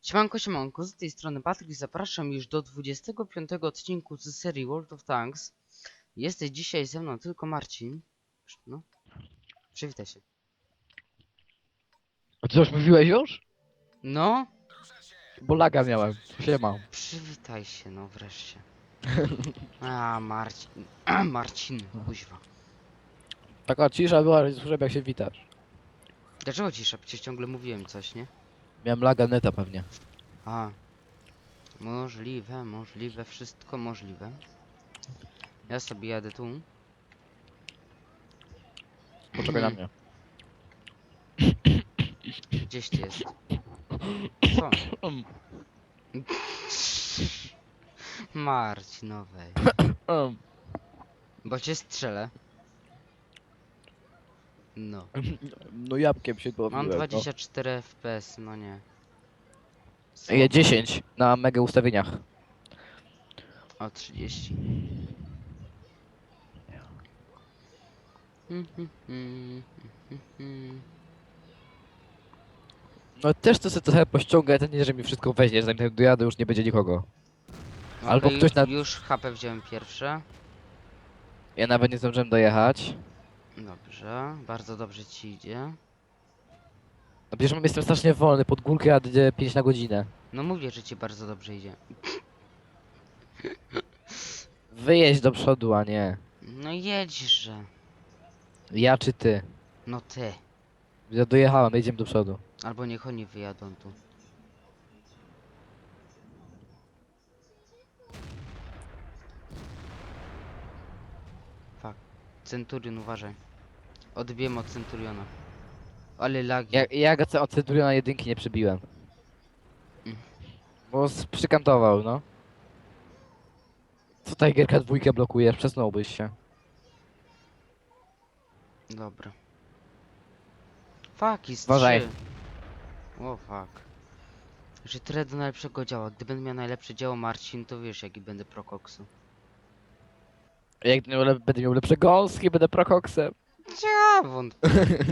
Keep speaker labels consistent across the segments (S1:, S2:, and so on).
S1: Siemanko, z tej strony Patryk, zapraszam już do 25 odcinku z serii World of Tanks. Jesteś dzisiaj ze mną tylko Marcin. No, przywitaj się.
S2: A ty coś mówiłeś już?
S1: No,
S2: Bo laga miałem. Siema.
S1: przywitaj się, no wreszcie. Marcin, Marcin, kuźwa.
S2: Taka cisza była, że nie słyszałem jak się witasz.
S1: Dlaczego cisza? Przecież ciągle mówiłem coś, nie?
S2: Miałem laga neta pewnie.
S1: Możliwe, wszystko możliwe. Ja sobie jadę tu.
S2: Poczekaj na mnie.
S1: Gdzieś ty jest? Co? Marcinowej. Bo cię strzelę. No.
S2: No jabłkiem się
S1: Mam
S2: dobiłem,
S1: 24 FPS, no nie.
S2: no. Je 10 na mega ustawieniach.
S1: O 30.
S2: No też to sobie trochę pościągę, to nie, że mi wszystko weźmie, zanim tam dojadę już nie będzie nikogo. Albo
S1: Okej,
S2: ktoś na...
S1: już HP wziąłem pierwsze.
S2: Ja nawet nie zdążyłem dojechać.
S1: Dobrze, bardzo dobrze ci idzie.
S2: No przecież jestem strasznie wolny, pod górkę jadę 5 na godzinę.
S1: No mówię, że ci bardzo dobrze idzie.
S2: Wyjedź do przodu, a nie.
S1: No jedźże.
S2: Ja czy ty.
S1: No ty.
S2: Ja dojechałem, jedziemy do przodu.
S1: Albo niech oni wyjadą tu. Fuck. Centurion, uważaj. Odbiłem od Centuriona. Ale lagi.
S2: Ja go od Centuriona jedynki nie przebiłem.
S1: Mm.
S2: Bo przykantował, no. Co Tigerka dwójkę blokujesz? Przesnąłbyś się.
S1: Dobra. Fuck, jest
S2: Uważaj.
S1: 3. O fuck. Że tyle do najlepszego działa. Gdybym miał najlepsze dzieło Marcin, to wiesz jaki będę prokoksu.
S2: Jak będę miał lepsze gąski, będę prokoksem.
S1: Ja wątpię.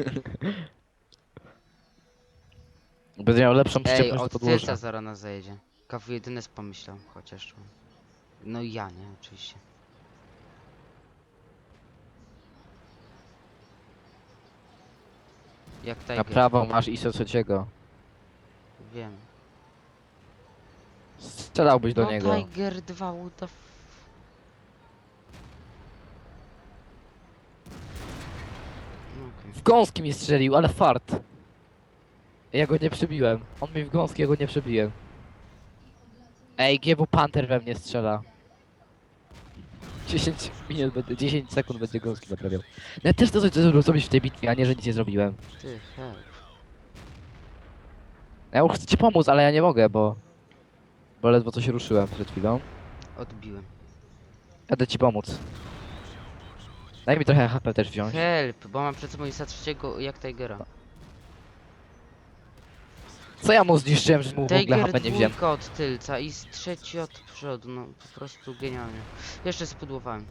S2: Będę miał lepszą
S1: Ej,
S2: przyczepność do
S1: od
S2: podłoża.
S1: tylca zaraz nas zajedzie. Kawu jedyny pomyślał, chociaż. No i ja, nie? Oczywiście. Jak
S2: Na
S1: Tiger.
S2: prawo masz ISO trzeciego.
S1: Wiem.
S2: Strzelałbyś do
S1: No
S2: niego.
S1: Tiger 2, what the No okej.
S2: W gąski mi strzelił, ale fart. Ja go nie przebiłem. On mi w gąski, ja go nie przebiłem. Ej, GW Panther we mnie strzela. 10 minut, 10 sekund będzie gąski naprawiał. No ja też to coś zrobić w tej bitwie, a nie, że nic nie zrobiłem.
S1: Ty, help.
S2: Ja już chcę ci pomóc, ale ja nie mogę, bo ledwo coś ruszyłem przed chwilą.
S1: Odbiłem.
S2: Jadę ci pomóc. Daj mi trochę HP też wziąć.
S1: Help, bo mam przed sobą ISA trzeciego jak Tigera.
S2: Co ja mu zniszczyłem, że mu w ogóle
S1: Tiger
S2: HP nie wziąłem?
S1: dwójka od tylca i z trzeci od przodu, no po prostu genialnie. Jeszcze spudłowałem.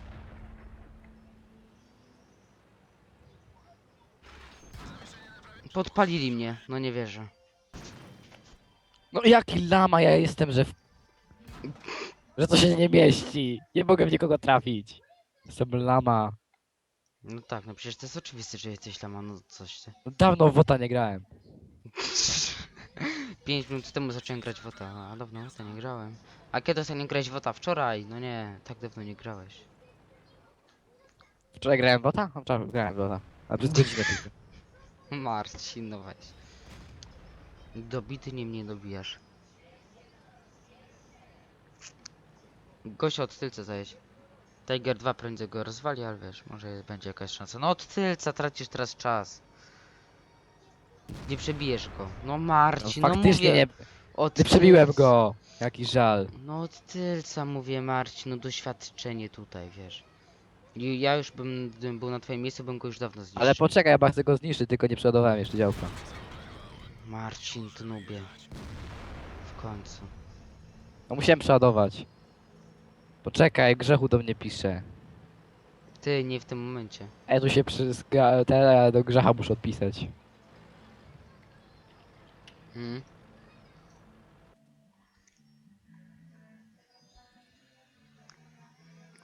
S1: Podpalili mnie, no nie wierzę.
S2: No jaki lama ja jestem, że to się nie mieści. Nie mogę w nikogo trafić. Jestem lama.
S1: No tak, no przecież to jest oczywiste, że jesteś lama, no coś ty.
S2: No dawno w WOTA nie grałem.
S1: 5 minut temu zacząłem grać w WOTA, a dawno w WOTA nie grałem. A kiedy ostatnio grałeś w WOTA? Wczoraj? No nie, tak dawno nie grałeś.
S2: Wczoraj grałem w WOTA? No, wczoraj grałem w WOTA. A przez godzinę tylko.
S1: Marcin, no weź. Dobity nie mnie dobijasz. Gościa od tylca zajeść. Tiger 2 prędzej go rozwali, ale wiesz, może będzie jakaś szansa. No od tylca tracisz teraz czas. Nie przebijesz go. No Marcin, no
S2: Faktycznie
S1: mówię.
S2: nie,
S1: Od
S2: nie przebiłem
S1: tylca.
S2: go. Jaki żal.
S1: No od tylca mówię Marcin, no doświadczenie tutaj, wiesz. I ja już gdybym był na twoim miejscu, bym go już dawno zniszczył.
S2: Ale poczekaj, ja chcę go zniszczyć, tylko nie przeładowałem jeszcze działka.
S1: Marcin, ty nubie. W końcu.
S2: No musiałem przeładować. Poczekaj, Grzechu do mnie pisze.
S1: Ty, nie w tym momencie.
S2: Ej, tu się do Grzecha muszę odpisać.
S1: Hmm?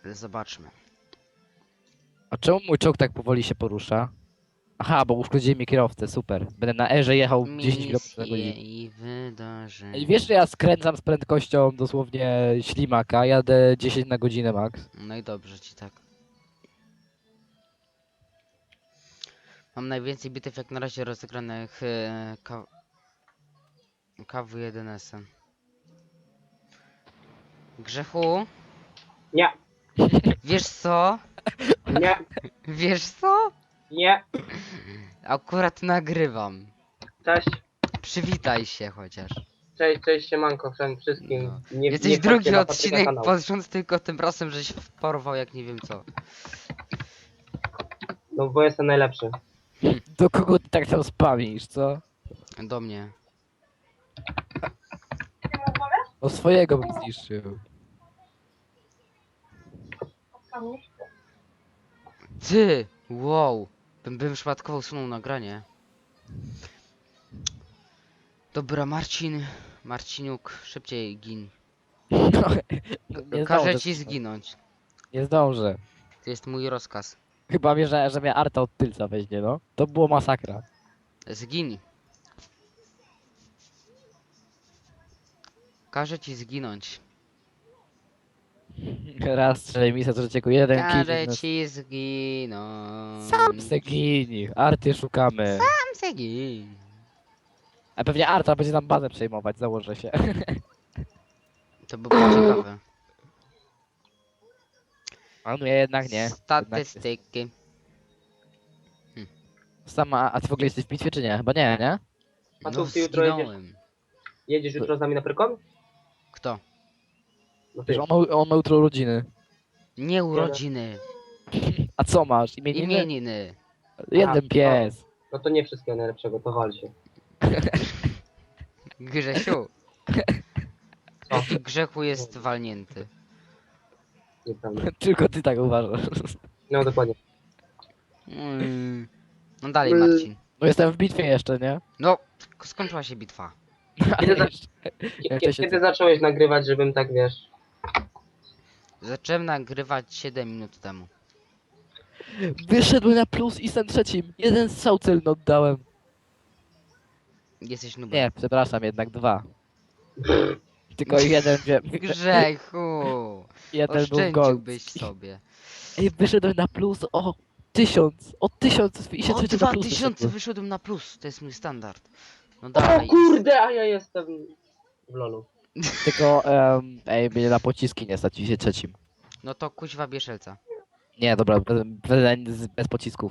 S1: Zobaczmy.
S2: A czemu mój czołg tak powoli się porusza? Aha, bo uszkodzili mi kierowcę, super. Będę na erze jechał 10 km na
S1: Misje
S2: godzinę.
S1: i wydarzenia.
S2: Ej, wiesz, że ja skręcam z prędkością dosłownie ślimaka, jadę 10 na godzinę max.
S1: No i dobrze ci tak. Mam najwięcej bitew jak na razie rozegranych KW1S-em. Grzechu?
S3: Nie,
S1: Wiesz co?
S3: nie,
S1: Wiesz co?
S3: nie.
S1: Akurat nagrywam.
S3: Cześć,
S1: Przywitaj się chociaż.
S3: cześć, siemanko wszystkim.
S1: No.
S3: Nie,
S1: Jesteś
S3: nie
S1: drugi
S3: wchodźcie na Patryka
S1: odcinek
S3: kanał.
S1: pod rząd tylko tym razem, żeś porwał jak nie wiem co.
S3: No bo jestem najlepszy.
S2: Do kogo ty tak tam spamisz, co?
S1: Do mnie.
S2: O swojego bym zniszczył.
S1: Ty! Wow! Bym przypadkowo usunął nagranie. Dobra, Marciniuk, szybciej gin.
S2: No, nie
S1: Każę
S2: zdążę.
S1: ci zginąć.
S2: Nie zdążę.
S1: To jest mój rozkaz.
S2: Chyba wie, że mnie Arta od tylca weźmie, no. To było masakra.
S1: Zgin. Każę ci zginąć.
S2: Raz strzelaj misję, to cieku jeden
S1: Każę
S2: kill.
S1: ci zginąć.
S2: Sam se gini. Arty szukamy.
S1: Sam se gin.
S2: A pewnie Arta będzie nam bazę przejmować, założę się.
S1: To by było ciekawe.
S2: A no ja jednak nie.
S1: Statystyki.
S2: Sama, a ty w ogóle jesteś w bitwie czy nie? Chyba nie, nie?
S3: A
S1: No
S3: tu ty jutro
S1: zginąłem.
S3: Jedziesz jutro z nami na Pyrkon?
S1: Kto?
S3: No ty.
S2: Wiesz, on ma jutro urodziny.
S1: Nie urodziny.
S2: A co masz? Imieniny?
S1: Imieniny.
S2: Jeden
S3: A,
S2: pies.
S3: No to nie wszystkiego najlepszego, to wal się.
S1: Grzesiu.
S3: Co?
S1: Jaki Grzechu jest walnięty.
S3: Nieprawda.
S2: Tylko ty tak uważasz.
S3: No dokładnie.
S1: No dalej Marcin.
S2: No jestem w bitwie jeszcze, nie?
S1: No, skończyła się bitwa.
S3: Kiedy, za...
S2: Jeszcze się
S3: Kiedy zacząłeś nagrywać, żebym tak wiesz...
S1: Zacząłem nagrywać 7 minut temu.
S2: Wyszedłem na plus i jestem trzecim. Jeden strzał celny oddałem.
S1: Jesteś nubem.
S2: Nie, przepraszam, jednak dwa. Tylko jeden wiem.
S1: Grzechu!
S2: Jeden był
S1: Oszczędziłbyś
S2: gol.
S1: sobie.
S2: Ej, wyszedłem na plus o 1000. O 1000 i się
S1: O
S2: trzeci na plus
S1: 2000
S2: wyszedłem.
S1: wyszedłem na plus, to jest mój standard. No
S3: O
S1: dalej.
S3: kurde, a ja jestem w lolu.
S2: Tylko, ej, mnie na pociski nie stać i się trzecim.
S1: No to kuźwa bieszelca.
S2: Nie, dobra, bez pocisków.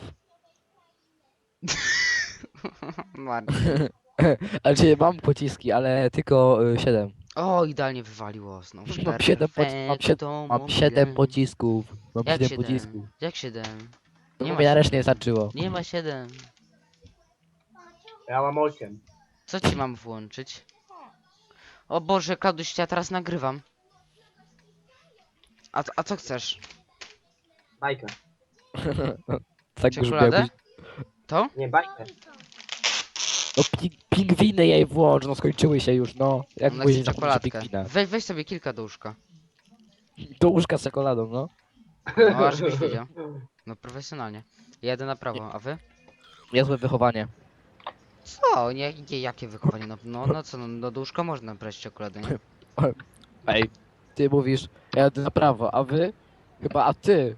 S1: Marcin.
S2: Ale czyli mam pociski, ale tylko 7.
S1: O, idealnie wywaliło znowu.
S2: Mam 7 mam 7 pocisków. Mam
S1: Jak
S2: 7
S1: 7?
S2: pocisków.
S1: Jak 7?
S2: No
S1: Nie
S2: bo
S1: ma
S2: mi na
S1: 7.
S2: resztę nie starczyło.
S1: Nie ma 7.
S3: Ja mam 8.
S1: Co ci mam włączyć? O Boże, Klauduś, ja teraz nagrywam. A co chcesz?
S3: Bajkę.
S2: Tak
S1: Czekoladę?
S2: jakbyś-
S1: To?
S3: Nie, bajkę.
S2: No pingwiny jej włącz, no skończyły się już, no. Jak
S1: Ona
S2: mówisz,
S1: chce
S2: że
S1: czekoladkę.
S2: pingwina.
S1: Weź sobie kilka do łóżka.
S2: Do łóżka z czekoladą, no.
S1: No, aż byś wiedział. No profesjonalnie. Jadę na prawo, a wy?
S2: Niezłe wychowanie.
S1: Co? Jakie wychowanie? No co, no do łóżka można brać czekoladę, nie?
S2: Ej, ty mówisz, ja jadę na prawo, a wy? Chyba, a ty?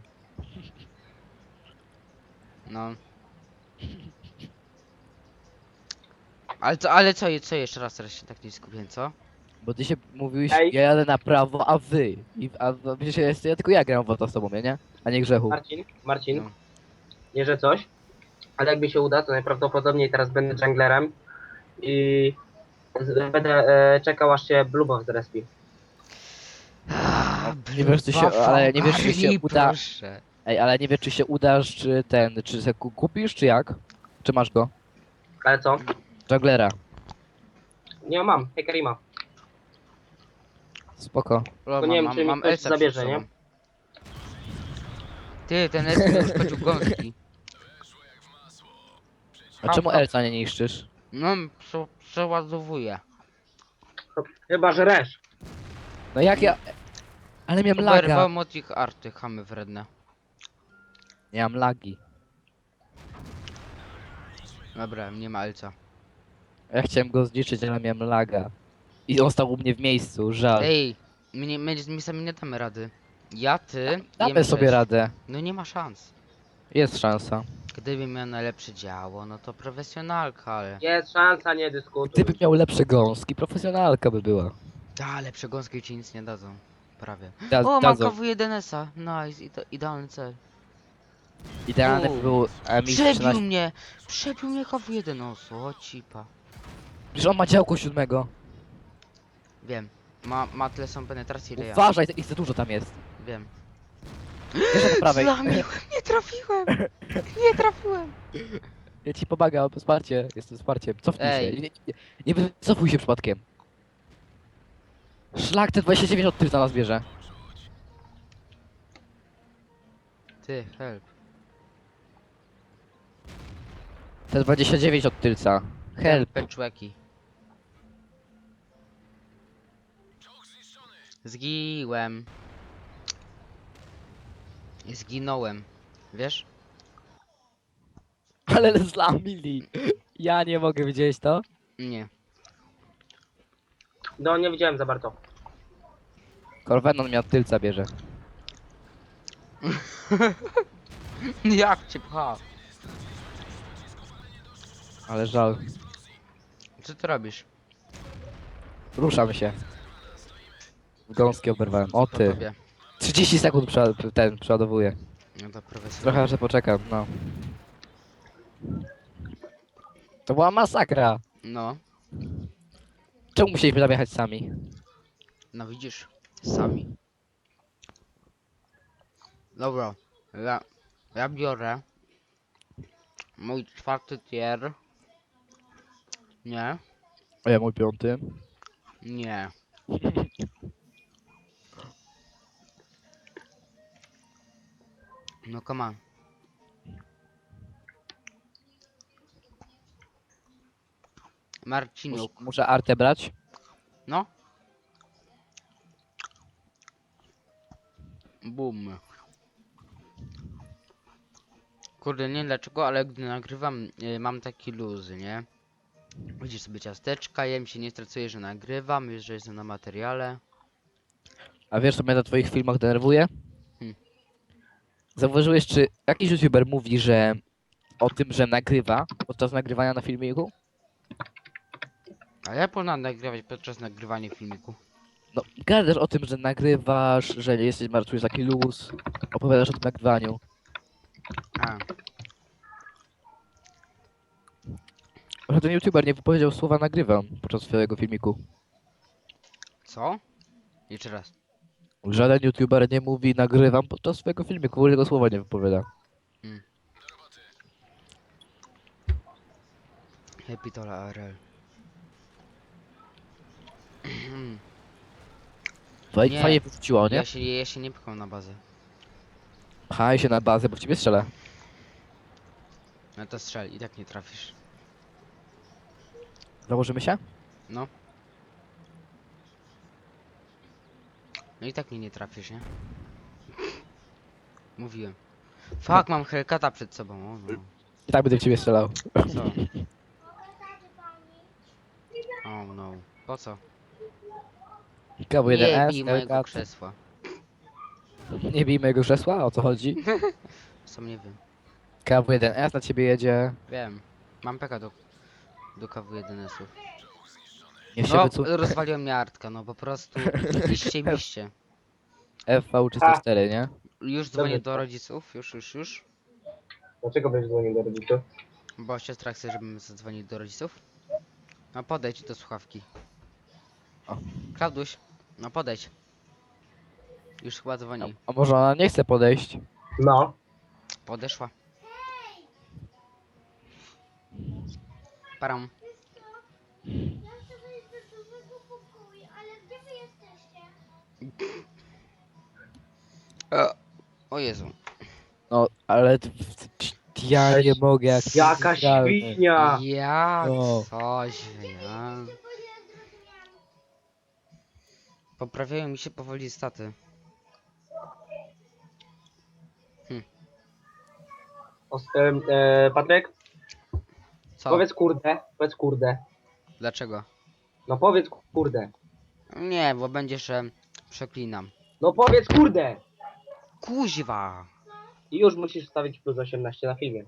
S1: No. Ale co jeszcze raz, teraz się tak nie skupię, co?
S2: Bo ty się mówiłeś,
S3: Ej.
S2: ja jadę na prawo, a wy? Przecież ja tylko ja gram w to z tobą, nie? A nie Grzechu.
S3: Marcin,
S1: No.
S3: nie że coś, ale jak mi się uda, to najprawdopodobniej teraz będę junglerem i będę czekał aż się Bluebow zrespi.
S2: Nie wiesz, czy się, ale nie wiesz, czy się
S1: Ogarnij,
S2: uda.
S1: proszę.
S2: Ej, ale nie wiesz, czy się udasz, czy ten, czy se kupisz, czy jak? Czy masz go?
S3: Ale co?
S2: Junglera.
S3: Nie mam, Hekarima.
S2: Spoko.
S1: O,
S3: nie wiem, czy mi ktoś
S1: Elsa
S3: zabierze,
S1: przed
S3: nie?
S1: sobą. Ty, ten Elsa już skoczył gąski.
S2: A czemu Elsa nie niszczysz?
S1: No, przeładowuję.
S3: Chyba, że resz.
S2: No jak ja... Ale miałem laga.
S1: Oberwałem od ich arty, chamy wredne.
S2: Nie mam lagi.
S1: Dobra, nie ma Elca.
S2: Ja chciałem go zniszczyć, ale miałem laga. I on stał u mnie w miejscu, żal.
S1: Ej, my sami nie damy rady. Ja, ty i
S2: Damy sobie
S1: M6.
S2: radę.
S1: No nie ma szans.
S2: Jest szansa.
S1: Gdybym miał najlepsze działo, no to profesjonalka, ale...
S3: Jest szansa, nie dyskutuj.
S2: Gdybym miał lepsze gąski, profesjonalka by była.
S1: Ale przegąski ci nic nie dadzą. Prawie.
S2: Da,
S1: O, mam
S2: dadzą.
S1: KW1S-a. Nice, idealny cel.
S2: Idealny
S1: U.
S2: był
S1: Przebił
S2: MX-13.
S1: mnie! Przebił mnie KW1, o cipa.
S2: Przecież on ma działko 7.
S1: Wiem. Ma tyle są penetracji, ile ja.
S2: Uważaj, ich za dużo tam jest.
S1: Wiem.
S2: Jeszcze do prawej.
S1: Zlamiłem, nie trafiłem! Nie trafiłem!
S2: Ja ci pomagam, wsparcie. Jestem wsparciem. Cofnij
S1: Ej.
S2: się. Nie wycofuj się przypadkiem. Szlak te 29 od tylca nas bierze.
S1: Ty, help.
S2: Te 29 od tylca. Help.
S1: Peczłeki. Zgiłem. Zginąłem. Wiesz?
S2: Ale zlamili. Ja nie mogę, widzieć to?
S1: Nie.
S3: No, nie widziałem za bardzo.
S2: Corvenon mnie od tylca bierze.
S1: Jak cię pcha?
S2: Ale żal.
S1: Co ty robisz?
S2: Ruszam się. W gąskie oberwałem. O
S1: Po
S2: ty.
S1: tobie.
S2: 30 sekund przeładowuję.
S1: No to profesjonalnie.
S2: Trochę jeszcze poczekam, no. To była masakra.
S1: No.
S2: Czemu musieliśmy tam jechać sami?
S1: No widzisz, sami. Dobra, ja biorę mój 4. tier. Nie,
S2: A ja mój 5.
S1: nie. No come on. Marciniuk,
S2: Muszę artę brać.
S1: no. Boom. Kurde, nie wiem dlaczego, ale gdy nagrywam, mam taki luzy, nie? Widzisz sobie ciasteczka, jem się, nie stresuję, że nagrywam, już że jestem na materiale.
S2: A wiesz co mnie na twoich filmach denerwuje?
S1: Hmm.
S2: Zauważyłeś, czy jakiś youtuber mówi, że o tym, że nagrywa podczas nagrywania na filmiku?
S1: A ja powinien nagrywać podczas nagrywania filmiku.
S2: No, gadasz o tym, że nagrywasz, że jesteś, czujesz taki luz, opowiadasz o tym nagrywaniu.
S1: A,
S2: Że ten youtuber nie wypowiedział słowa nagrywam podczas swojego filmiku.
S1: co? Jeszcze raz.
S2: Żaden youtuber nie mówi nagrywam podczas swojego filmiku, w ogóle tego słowa nie wypowiada.
S1: Epitola ARL. Nie.
S2: Fajnie wróciło, nie?
S1: Ja się nie pcham na bazę.
S2: Pchaj się na bazę, bo w ciebie strzelę.
S1: No to strzel, i tak nie trafisz.
S2: Założymy się?
S1: No. No i tak mnie nie trafisz, nie? Mówiłem. Fuck, mam Hellcata przed sobą, o no.
S2: I tak będę w ciebie strzelał.
S1: Co? Oh no. Po co? Nie
S2: KW1S,
S1: bij mojego
S2: Hellcat.
S1: krzesła.
S2: Nie bij mojego krzesła, o co chodzi?
S1: Sam nie wiem.
S2: KW1S na ciebie jedzie.
S1: Wiem. Mam peka do KW1S-ów.
S2: Niech się
S1: No,
S2: wycofie.
S1: rozwaliła mnie Artka, no po prostu. Iście.
S2: FV304, nie?
S1: Już dzwonię
S3: Dobrze.
S1: do rodziców, już.
S3: Dlaczego będziesz dzwonił do rodziców?
S1: Bo siostra chce, żebym zadzwonił do rodziców. No podejdź do słuchawki.
S2: O.
S1: Klauduś, no podejdź. Już chyba dzwoni.
S2: A może ona nie chce podejść?
S3: No.
S1: Podeszła. Param.
S4: Ja chcę wejść do dużego pokoju, ale gdzie wy jesteście?
S1: O Jezu.
S2: No, ale ja nie mogę, jak
S3: Jaka
S2: nielegalne.
S3: świnia!
S1: Ja
S2: No.
S1: coś, ja. Poprawiają mi się powoli staty.
S3: Patryk,
S1: Co?
S3: powiedz kurde, powiedz kurde.
S1: Dlaczego?
S3: No powiedz kurde.
S1: Nie, bo będzie, że przeklinam.
S3: No powiedz kurde!
S1: Kuźwa!
S3: I już musisz wstawić plus 18 na filmie.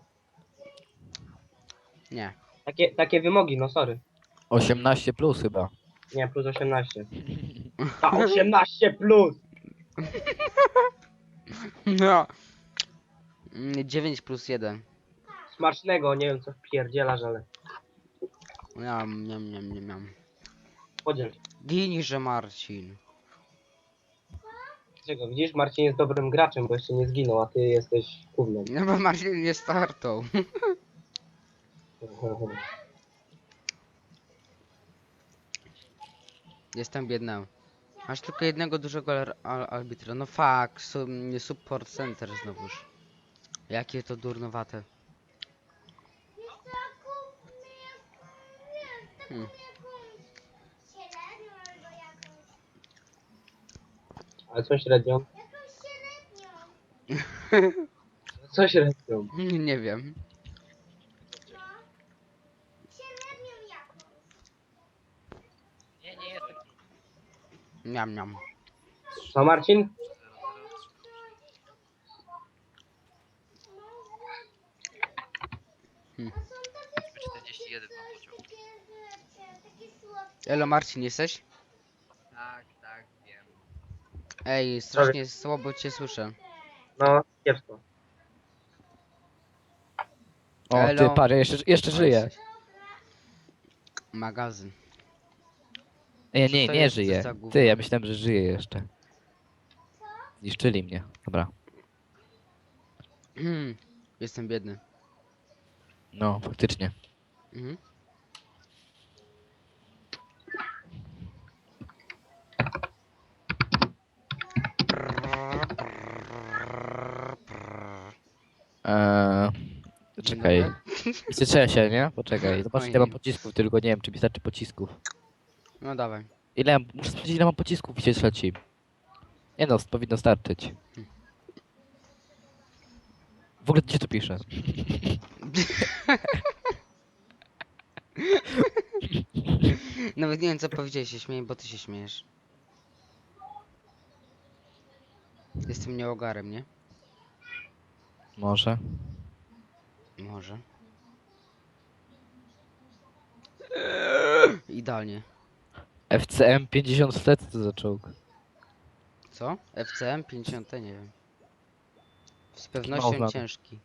S1: Nie.
S3: Takie wymogi, no sorry.
S2: 18 plus chyba.
S3: Nie, plus 18. Ta 18 plus!
S1: No. 9 plus 1.
S3: Smacznego, nie wiem co wpierdzielasz, ale
S1: Miam.
S3: podziel.
S1: Ginże Marcin.
S3: Czego, widzisz, Marcin jest dobrym graczem, bo jeszcze nie zginął, a ty jesteś gównem.
S1: No bo Marcin nie startą. Jestem biedny. Masz tylko jednego dużego arbitra. No fuck, support center znowuż. Jakie to durnowate. Hmm.
S4: Średnią albo jakąś.
S3: Ale co średnią?
S4: Jakąś średnią.
S3: Co średnią?
S1: Nie wiem.
S4: No. Średnią jakąś.
S1: Miam.
S3: Co Marcin?
S1: Hmm.
S2: 41 mam pociąg.
S4: Takie słodkie.
S1: Elo Marcin, jesteś?
S2: Tak, wiem.
S1: Ej, strasznie słabo cię słyszę.
S3: No, kiepsko.
S2: O,
S1: Elo.
S2: ty parę, jeszcze żyje.
S1: Magazyn.
S2: Nie,
S1: Co to
S2: nie
S1: jest
S2: żyje.
S1: za gówno?
S2: Ty, ja myślałem, że żyje jeszcze. Zniszczyli mnie. Dobra.
S1: Jestem biedny.
S2: No, faktycznie.
S1: Mhm.
S2: Czekaj. Cieszę się, nie? Poczekaj. Zobacz, ile mam
S1: Ojej.
S2: pocisków, tylko nie wiem, czy mi starczy pocisków.
S1: No dawaj.
S2: Muszę sprawdzić, ile mam pocisków i się leci. Nie no, powinno starczyć. W ogóle gdzie to pisze?
S1: Nawet nie wiem co powiedziałeś, się śmieję, bo ty się śmiejesz. Jestem nieogarem, nie?
S2: Może.
S1: Może. Idealnie.
S2: FCM 50 flet to za czołg.
S1: Co? FCM 50? Nie wiem. Z
S2: Mało
S1: pewnością
S2: znam.
S1: ciężki.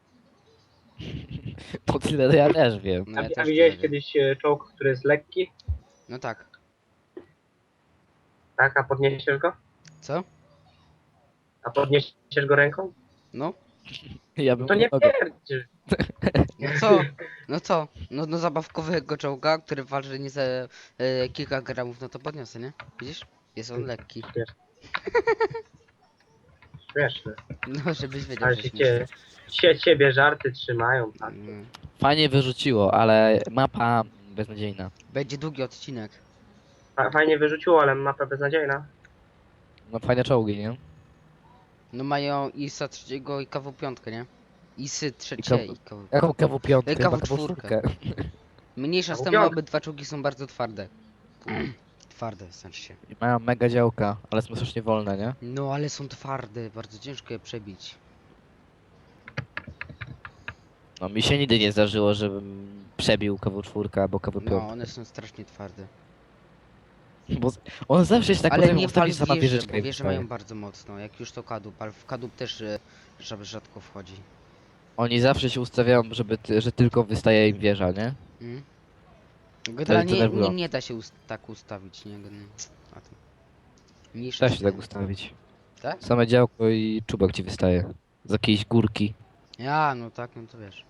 S2: Po tyle to ja też wiem.
S1: No ja
S3: A
S1: też
S3: widziałeś
S1: nie wiem.
S3: kiedyś czołg, który jest lekki?
S1: No tak.
S3: Tak, a podniesiesz go?
S1: Co?
S3: A podniesiesz go ręką?
S1: No?
S2: Ja bym
S3: To nie
S2: nogę.
S3: pierdzisz.
S1: No co? No co? No zabawkowego czołga, który waży nie za kilka gramów, no to podniosę, nie? Widzisz? Jest on lekki.
S3: Śmieszne.
S1: No żebyś wiedział,
S3: Ale
S1: że
S3: się
S1: śmieszne.
S3: ciebie żarty trzymają, tak?
S2: Fajnie wyrzuciło, ale mapa beznadziejna.
S1: Będzie długi odcinek.
S3: Fajnie wyrzuciło, ale mapa beznadziejna.
S2: No fajne czołgi, nie?
S1: No mają ISA trzeciego i KW5, nie? ISy trzecie
S2: KW.
S1: i KW.
S2: Jaką KW5? Chyba
S1: KW4.
S2: KW4.
S1: Mniejsza z
S3: KW5.
S1: tym, obydwa czołgi są bardzo twarde. Twarde, znaczy się.
S2: I mają mega działka, ale są strasznie wolne, nie?
S1: No ale są twarde, bardzo ciężko je przebić.
S2: No mi się nigdy nie zdarzyło, żebym przebił KW4 albo KW5.
S1: No, one są strasznie twarde.
S2: Bo on zawsze jest tak
S1: Ale
S2: potem
S1: nie
S2: ustawi
S1: pal
S2: sama
S1: wieże,
S2: wieżyczka
S1: bo
S2: i
S1: wieże
S2: wstaje.
S1: mają bardzo mocno. Jak już to kadłub, ale w kadłub też rzadko wchodzi.
S2: Oni zawsze się ustawiają, że tylko wystaje im wieża, nie?
S1: Mm? Generalnie
S2: denerwujące.
S1: nie da się tak ustawić, nie? A to... Mniejsza
S2: Da
S1: z
S2: się
S1: tym.
S2: tak ustawić.
S1: Tak?
S2: Same działko i czubek ci wystaje. Z jakiejś górki.
S1: Ja, no tak, no to wiesz.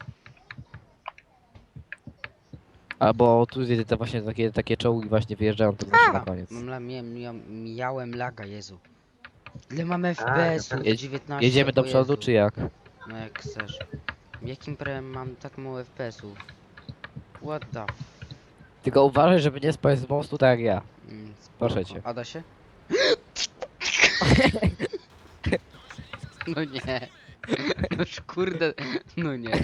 S2: Albo tu jest te właśnie takie czołgi właśnie wyjeżdżają to zawsze na koniec.
S1: Miałem laga, Jezu. Ile mamy FPS-ów?
S2: Jedź-
S1: 19.
S2: Jedziemy do
S1: o
S2: przodu
S1: Jezu.
S2: czy jak?
S1: No jak chcesz. Jakim prawem mam tak mało FPS-ów? What the f...
S2: Tylko uważaj, żeby nie spaść z mostu tak jak ja.
S1: spoko.
S2: Proszę cię.
S1: A da się? No nie. Noż kurde, no nie.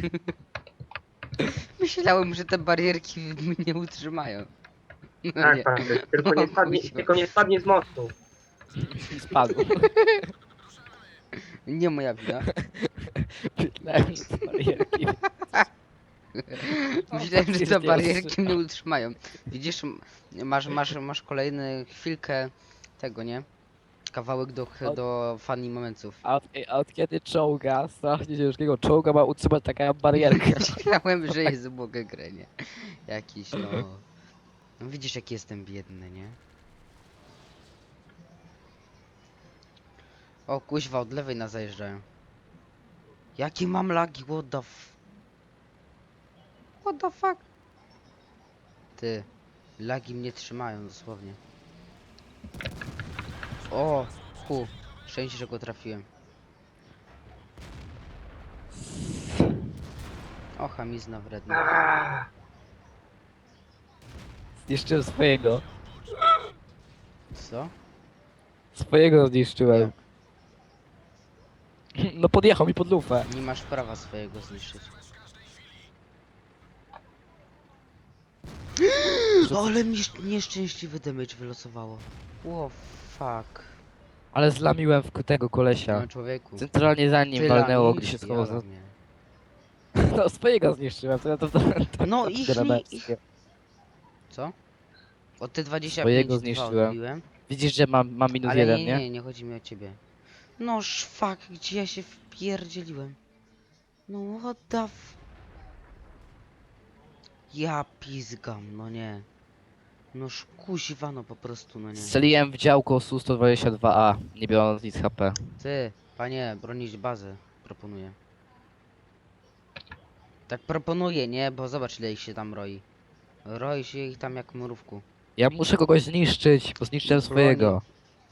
S1: Myślałem, że te barierki mnie utrzymają. No
S3: Tak,
S1: nie.
S3: Patryk, tylko nie
S1: O,
S3: spadnie,
S1: kuźwa.
S3: tylko nie spadnie z mostu.
S2: I spadł.
S1: Nie moja wina.
S2: Myślałem, że to barierki.
S1: Myślałem, że te
S2: faktycznie
S1: barierki mnie utrzymają. Widzisz, masz kolejny chwilkę tego, nie? Kawałek do funny momentów.
S2: A od kiedy czołga, strasznie ciężkiego czołga ma utrzymać taka barierka?
S1: Myślałem, że jest ubogę grę, nie? Jakiś, no... No widzisz, jak jestem biedny, nie? O, kuźwa, od lewej nas zajeżdżają. Jakie mam lagi, what the What the fuck? Ty, lagi mnie trzymają dosłownie. O, szczęście, że go trafiłem. O, chamizna wredna.
S3: Aaaa.
S2: Zniszczyłem swojego.
S1: Co?
S2: Swojego zniszczyłem. No podjechał mi pod lufę.
S1: Nie masz prawa swojego zniszczyć. Ale mi nieszczęśliwy damage wylosowało. O, fuck.
S2: Ale zlamiłem w tego kolesia.
S1: No człowieku.
S2: Centralnie za nim
S1: Ty
S2: walnęło,
S1: lamisz,
S2: gdy się schował za...
S1: jara mnie.
S2: No swojego zniszczyłem, to ja to...
S1: No ich nie...
S2: Telemeckie.
S1: Co? Od te 25
S2: Swojego
S1: dwa
S2: zniszczyłem.
S1: odbiłem.
S2: Widzisz, że mam minus
S1: Ale
S2: jeden,
S1: nie,
S2: nie?
S1: nie, nie chodzi mi o ciebie. No fuck, gdzie ja się wpierdzieliłem? No what the Ja pizgam, no nie. Noż kuźwa, no po prostu, no nie.
S2: Strzeliłem w działko Su-122A, nie biorąc nic HP.
S1: Ty, panie, bronić bazę, proponuję. Tak proponuję, nie? Bo zobacz, ile ich się tam roi. Roi się ich tam jak mrówku.
S2: Ja muszę kogoś zniszczyć, bo zniszczyłem swojego.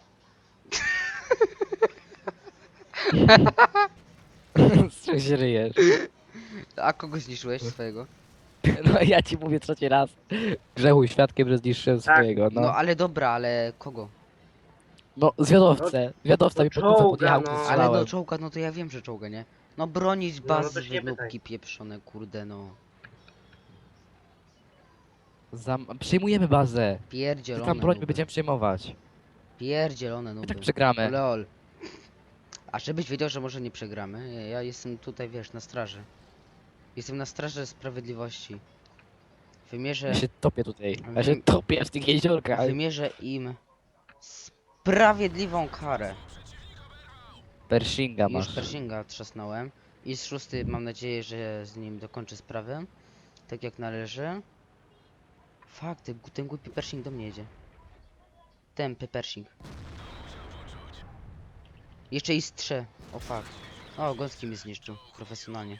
S2: Z czym się ryjesz?
S1: A kogo zniszczyłeś swojego?
S2: No ja ci mówię trzeci raz. Grzechu świadkiem, że zniszczyłem
S3: Tak.
S2: swojego,
S1: No
S2: no.
S1: ale dobra, ale kogo?
S2: No zwiadowcę. Zwiadowca
S3: no
S2: mi pod lufę
S3: czołga,
S2: podjechał,
S3: no.
S2: no.
S1: Ale no czołga, no to ja wiem, że czołga, nie? No bronić
S3: No,
S1: bazy,
S3: to się nie pytaj.
S1: wynóbki pieprzone, kurde no.
S2: Przejmujemy bazę. Ty
S1: Pierdzielone
S2: tam broń, my
S1: nuby.
S2: będziemy przejmować.
S1: Pierdzielone
S2: My
S1: nuby.
S2: tak przegramy.
S1: Lol. A żebyś wiedział, że może nie przegramy, ja jestem tutaj, wiesz, na straży. Jestem na straży sprawiedliwości. Wymierzę,
S2: Ja się topię tutaj. Ja się topię w tych jeziorkach.
S1: wymierzę im sprawiedliwą karę.
S2: Pershinga
S1: Już
S2: masz.
S1: Pershinga trzasnąłem. I z 6 mam nadzieję, że z nim dokończę sprawę. Tak jak należy. Fakt, ten głupi Pershing do mnie jedzie. Tępy Pershing. Jeszcze i z 3. O fuck. O, Gąski mnie zniszczył. Profesjonalnie.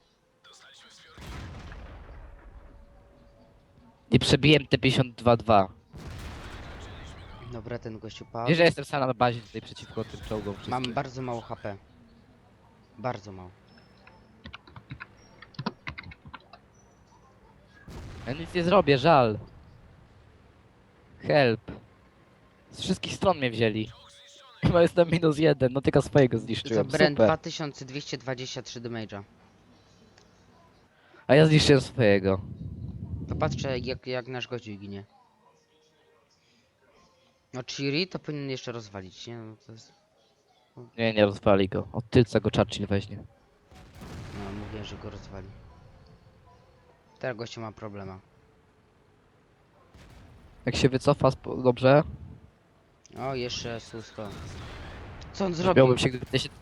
S2: Nie przebiłem te 52-2.
S1: Dobra, ten gościu padł.
S2: Wiesz, że jestem sam na bazie tutaj przeciwko tym czołgom wszystkim.
S1: Mam bardzo mało HP. Bardzo mało.
S2: Ja nic nie zrobię, żal. Help. Z wszystkich stron mnie wzięli. Chyba jestem -1, no tylko swojego
S1: Za
S2: zniszczyłem,
S1: Brand
S2: super.
S1: 2223 damage'a.
S2: A ja zniszczyłem swojego.
S1: Popatrzcie jak nasz gościu ginie. No Chiri to powinien jeszcze rozwalić, nie? No to jest...
S2: Nie, nie rozwali go. Od tylca go Churchill weźmie.
S1: No mówię, że go rozwali. Teraz gościu ma problema.
S2: Jak się wycofa, dobrze?
S1: O, jeszcze Susko. Co on zrobił?
S2: Miałbym się, gdyby się...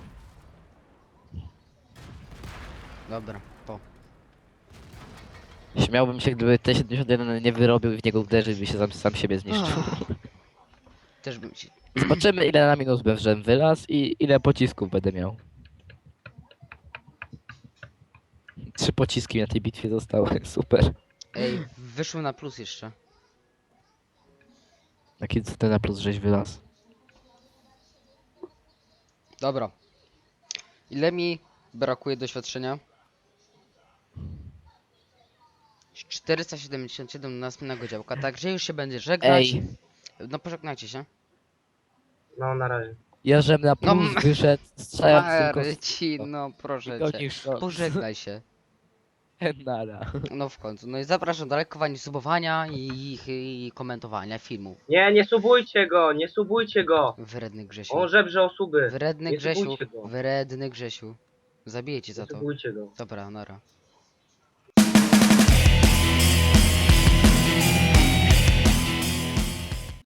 S1: Dobra, po.
S2: Śmiałbym się, gdyby T-71 nie wyrobił i w niego uderzył i by się sam siebie zniszczył.
S1: Też bym się...
S2: Zobaczymy, ile na minus będę wylaz i ile pocisków będę miał. 3 pociski na tej bitwie zostały, super.
S1: Ej, wyszło na plus jeszcze.
S2: Jaki co ty na plus żeś wylaz?
S1: Dobra. Ile mi brakuje doświadczenia? 477 na następnego działka, także już się będzie żegnać.
S2: Ej,
S1: No pożegnajcie się.
S3: No na razie.
S2: Ja żem na
S1: No,
S2: plus wyszedł, strzelając tylko
S1: Marcin, no proszę
S2: go
S1: cię.
S2: niższo.
S1: Pożegnaj się.
S2: Nara.
S1: No w końcu. No i zapraszam do lajkowania, subowania i komentowania filmu.
S3: Nie subujcie go!
S1: Wredny Grzesiu.
S3: On żebrze o suby.
S1: Wredny
S3: Nie
S1: Grzesiu.
S3: subujcie go.
S1: Wredny Grzesiu. Zabiję cię
S3: Nie
S1: za to.
S3: subujcie go.
S1: Dobra, nara.